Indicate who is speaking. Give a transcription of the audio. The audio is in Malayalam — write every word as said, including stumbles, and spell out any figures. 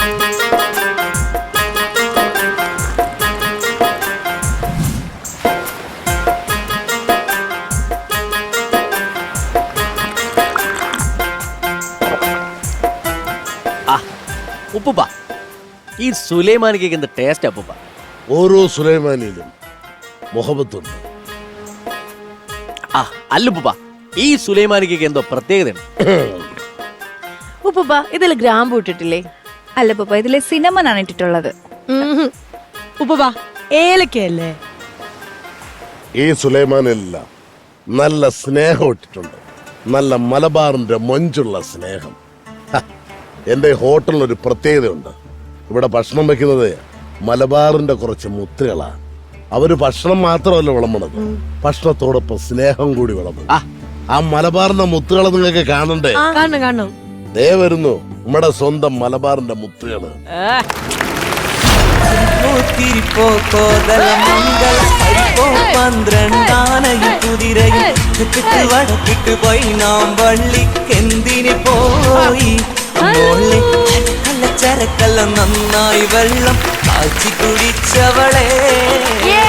Speaker 1: ഉപ്പുപ്പ, ഈ സുലൈമാനി കേക്ക് എന്ത് ടേസ്റ്റ് അപ്പൂപ്പ.
Speaker 2: ഓരോ സുലൈമാനിയിലും മുഹബത്തുണ്ട്.
Speaker 1: ആ അല്ലുപ്പ, ഈ സുലൈമാനി കേക്ക് എന്തോ പ്രത്യേകതയാണ്.
Speaker 3: ഉപ്പുപ്പ ഇതിൽ ഗ്രാമ്പു ഇട്ടിട്ടില്ലേ?
Speaker 4: അല്ല പപ്പ, ഇതിലെ സിനമൺ ആണ് ഇട്ടിട്ടുള്ളത്.
Speaker 3: ഉപ്പുപ്പ ഏലക്കയല്ലേ?
Speaker 2: ഈ സുലൈമാനിലെല്ലാം നല്ല സ്നേഹം ഇട്ടിട്ടുണ്ട്. നല്ല മലബാറിന്റെ മൊഞ്ചുള്ള സ്നേഹം. എന്റെ ഹോട്ടലിനൊരു പ്രത്യേകതയുണ്ട്. ഇവിടെ ഭക്ഷണം വെക്കുന്നത് മലബാറിന്റെ കുറച്ച് മുത്തുകളാണ്. അവര് ഭക്ഷണം മാത്രമല്ല വിളമ്പണത്, ഭക്ഷണത്തോടൊപ്പം സ്നേഹം കൂടി വിളമ്പും. ആ മലബാറിന്റെ മുത്തുകളെ നിങ്ങൾക്ക് കാണണ്ടേ?
Speaker 3: കാണണം കാണണം.
Speaker 2: ദേ വരുന്നു നമ്മുടെ സ്വന്തം മലബാറിന്റെ മുത്തുകള്.
Speaker 5: പന്ത്രണ്ടാനയും കുതിരയും വടക്കിട്ട് പോയി നാം വള്ളിക്കെന്തിന് പോയി നല്ല ചരക്കെല്ലാം നന്നായി വെള്ളം കാച്ചി കുടിച്ചവളെ.